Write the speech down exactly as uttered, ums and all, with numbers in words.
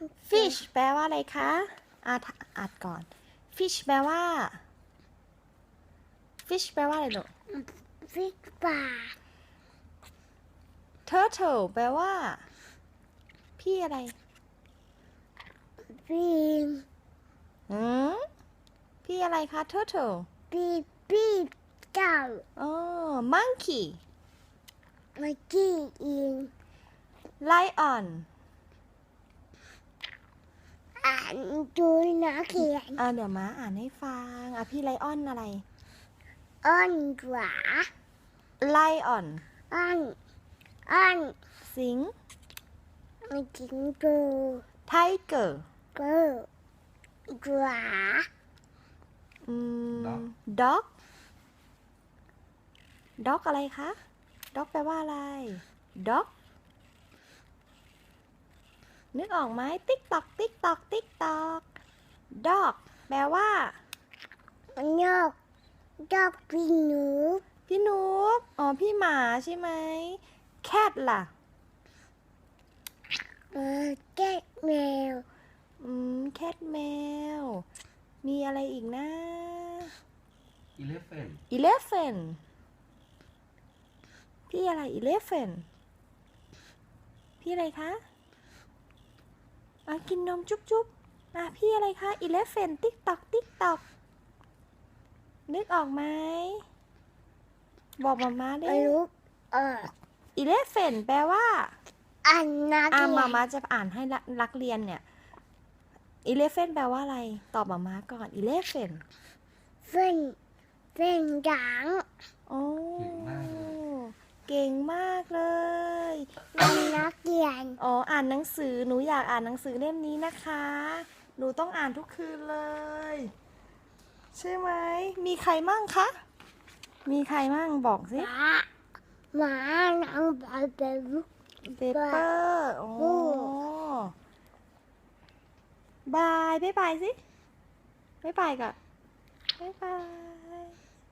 fish แปลว่าอะไรคะอ่านอ่านก่อน fish แปลว่า fish แปลว่าอะไรลูกฟิกปลา turtle แปลว่า พี่อะไรปีนหืมพี่อะไรคะ turtle ปีปีเจ้าอ๋อ monkey เมื่อกี้อิง lion อ่านดูนะเขียนอ่าเดี๋ยวม้าอ่านให้ฟังอ่ะพี่ไลออนอะไรอ้อนหวา lion อ้อนอ้อนสิงไม่กินดู tiger กูหวาอืม dog dog อะไรคะ dog แปลว่าอะไร dog นึกออกไหม ติ๊กตอกติ๊กตอกติ๊กตอก dog แปลว่ามันยกยกปีหนูพี่นุ๊กอ๋อ พี่หมาใช่ไหม cat ล่ะเออแก้แมวอืม cat แมว มีอะไรอีกนะ elephant elephant พี่อะไร elephant พี่อะไรคะอ่ะกินนมจุ๊บจุ๊บอ่ะพี่อะไรคะ elephant ติ๊กตอกติ๊กตอกนึกออกไหม บอกมาม่าได้ไม่รู้เออ elephant แปลว่าอันนักอ่ะเรียมาน ม่าจะอ่านให้นักเรียนเนี่ย elephant แปลว่าอะไร ตอบมาม่าก่อน elephant เฟ้นเฟ้นหยางโอ้เก่งมากเลยเก่งมากเลยอันนักเรียนอ๋อ อ่านหนังสือ หนูอยากอ่านหนังสือเล่มนี้นะคะ หนูต้องอ่านทุกคืนเลย ใช่ไหม มีใครมั่งคะ มีใครมั่งบอกสิหมาหมาหนังบอลเบลเปเปอร์โอ้บาย บ๊ายบายสิ บ๊ายบายก่อนบ๊ายบาย